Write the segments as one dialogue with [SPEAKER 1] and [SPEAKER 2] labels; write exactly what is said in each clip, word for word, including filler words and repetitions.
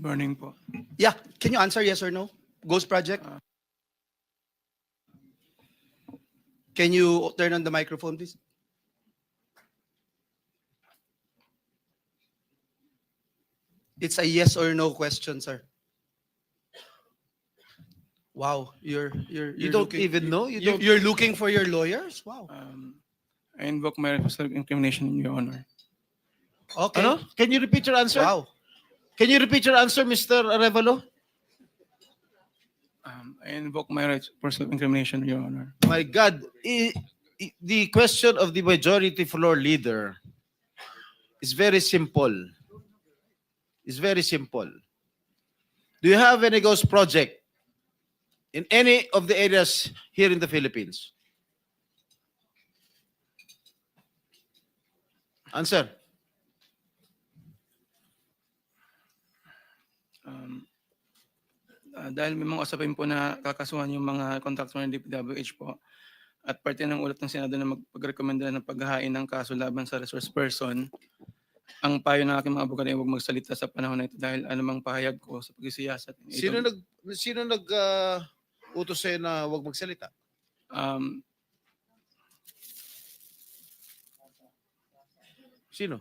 [SPEAKER 1] morning po.
[SPEAKER 2] Yeah, can you answer yes or no? Ghost project? Can you turn on the microphone, please? It's a yes or no question, sir. Wow, you're you're,
[SPEAKER 3] You
[SPEAKER 2] you're
[SPEAKER 3] don't
[SPEAKER 2] looking,
[SPEAKER 3] even know? You
[SPEAKER 2] You,
[SPEAKER 3] don't-
[SPEAKER 2] you're looking for your lawyers? Wow.
[SPEAKER 1] Um, I invoke my right of self-incrimination, Your Honor.
[SPEAKER 2] Okay.
[SPEAKER 3] Ano? Can you repeat your answer?
[SPEAKER 2] Wow.
[SPEAKER 3] Can you repeat your answer, Mister Arevalo?
[SPEAKER 1] Um, I invoke my right for self-incrimination, Your Honor.
[SPEAKER 3] My God, i- i- the question of the majority floor leader is very simple. It's very simple. Do you have any ghost project in any of the areas here in the Philippines? Answer.
[SPEAKER 1] Um, ah, dahil may mga usapin po na kakasuhan yung mga contractor ng D P W H po at parte ng ulat ng Senado na magpagrekomenda ng paghahain ng kaso laban sa resource person, ang payo ng aking mga abogado ay huwag magsalita sa panahon na ito dahil anumang pahayag ko sa pagsisiyasat.
[SPEAKER 3] Sino nag sino nag uh, utos sa'yo na huwag magsalita?
[SPEAKER 1] Um,
[SPEAKER 3] Sino?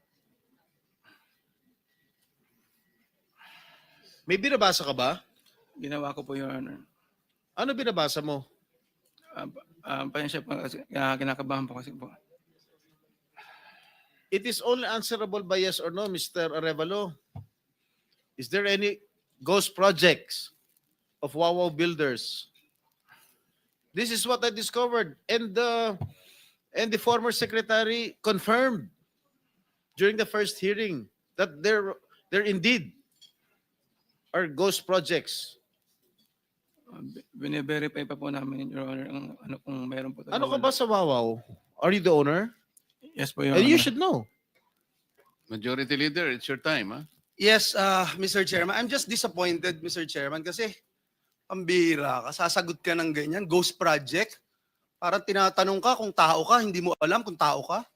[SPEAKER 3] May binabasa ka ba?
[SPEAKER 1] ginawa ko po, Your Honor.
[SPEAKER 3] Ano binabasa mo?
[SPEAKER 1] Um, um, pasensya po kasi uh, kinakabahan po kasi po.
[SPEAKER 3] It is only answerable by yes or no, Mister Arevalo. Is there any ghost projects of Wawaw Builders? This is what I discovered, and the and the former secretary confirmed during the first hearing that there there indeed are ghost projects.
[SPEAKER 1] Uh, bine-verify pa po namin, Your Honor, ang ano kung meron po.
[SPEAKER 3] Ano ka ba sa Wawaw? Are you the owner?
[SPEAKER 1] Yes po, Your
[SPEAKER 3] And
[SPEAKER 1] Honor.
[SPEAKER 3] you should know.
[SPEAKER 4] Majority Leader, it's your time, huh?
[SPEAKER 2] Yes, uh, Mister Chairman. I'm just disappointed, Mister Chairman, kasi pambira ka, sasagot ka ng ganyan, ghost project. Parang tinatanong ka kung tao ka, hindi mo alam kung tao ka.